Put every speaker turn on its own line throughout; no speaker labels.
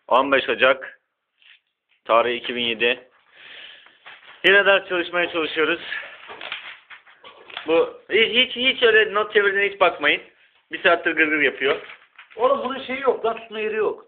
15 Ocak tarih 2007. Yine ders çalışmaya çalışıyoruz. Bu hiç öyle not çevirdiğine hiç bakmayın. Bir saattir gırgır yapıyor.
Oğlum bunun şeyi yok lan, tutma yeri yok.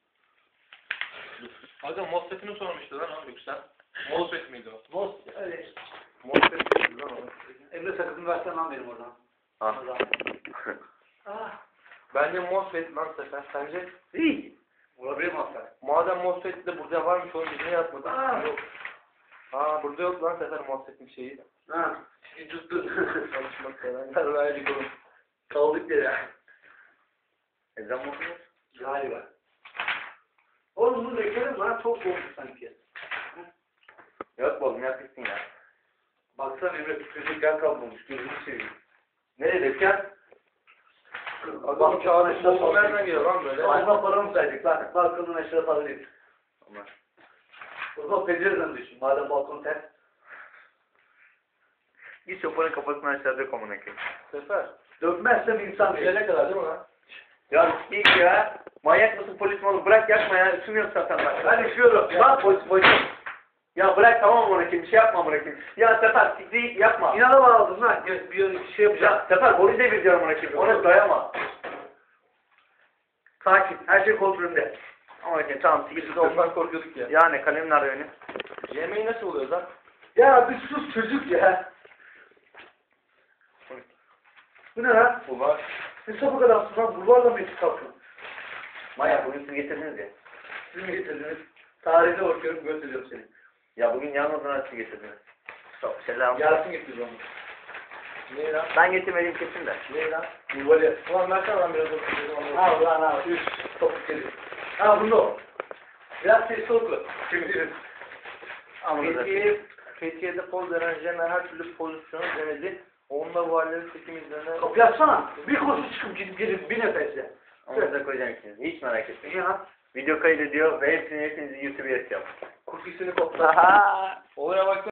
Aga MOSFET'ini sormuştu lan o Yüksel. MOSFET miydi o?
Boz, öyle.
MOSFET miydi lan o?
Emre sakızını versen lan benim oradan.
Ah.
Ah.
Bence MOSFET lan Sefer. Sence?
İyi. Olabilir mi Aslan?
Madem MOSFET de burada varmış oğlum biz niye yapmadık?
Aa.
Yok. Aa burada yok lan Sefer MOSFET'in şeyi.
Ha. Şimdi tuttun.
Çalışmak sevenler verdik oğlum.
Kaldık yere.
Ezan mı okuyor?
Galiba. Oğlum bunu bekledim lan, çok soğuk sanki.
Yok oğlum yapmışsın ya.
Baksana Emre, tükürecek yer kalmamış. Gözünü seveyim.
Nereye dökeceğim?
Adam çağrı soğuk nereden geliyor lan böyle?
Ayma para mı saydık lan? Balkonun aşağı para değil.
Ama.
O zaman pencereden düşün. Madem balkon ters.
Bir sopanın kafasını aşağı dök amına koyayım.
Sefer.
Dökmezsem insan değil.
Gelene kadar değil mi lan?
Ya ilk ya. Manyak mısın polis mi oğlum? Bırak yakma ya. Üşümüyorum zaten bak.
Ben üşüyorum.
Bak polis. Ya bırak tamam amına koyayım. Bir şey yapma amına koyayım. Ya Sefer sikri yapma.
İnanama aldın lan. Bir şey yapacağım.
Ya Sefer boru devir diyorum amına koyayım. Ona dayama. Sakin. Her şey kontrolümde. Amına koyayım tamam sikri.
Biz de ondan korkuyorduk ya.
Yani kalem nerede benim?
Yemeği nasıl oluyor lan?
Ya bir sus çocuk ya. Bu ne lan?
Ulan.
Ne sapık adamsın lan. Bulvarla mı yetişik kalktın?
Manyak bugün siz getirdiniz ya.
Siz mi getirdiniz? Tarihine bakıyorum, gösteriyorum seni.
Ya bugün yalnızdan siz getirdiniz. Çok selam.
Yasin getirdi onu.
Ne lan?
Ben getirmedim kesin de.
Ne lan?
Bulvarı.
Ulan versene lan biraz oturayım.
Al lan al. Üç. Topuk geliyor. Ha bunu o. Biraz sesli oku. Şimdi
Fethiye'de poz veren Jenner her türlü pozisyonu denedi. Onunla varlığı seçim izlerine...
kapı yapsana. Bir kursu çıkıp girip bir nefesle.
Onu da koyacağım ikiniz. Hiç merak etmeyin.
Ya.
Video kaydediyor ve hepsini YouTube'a yapacağım.
Kurtisini kopla. Olaya bak.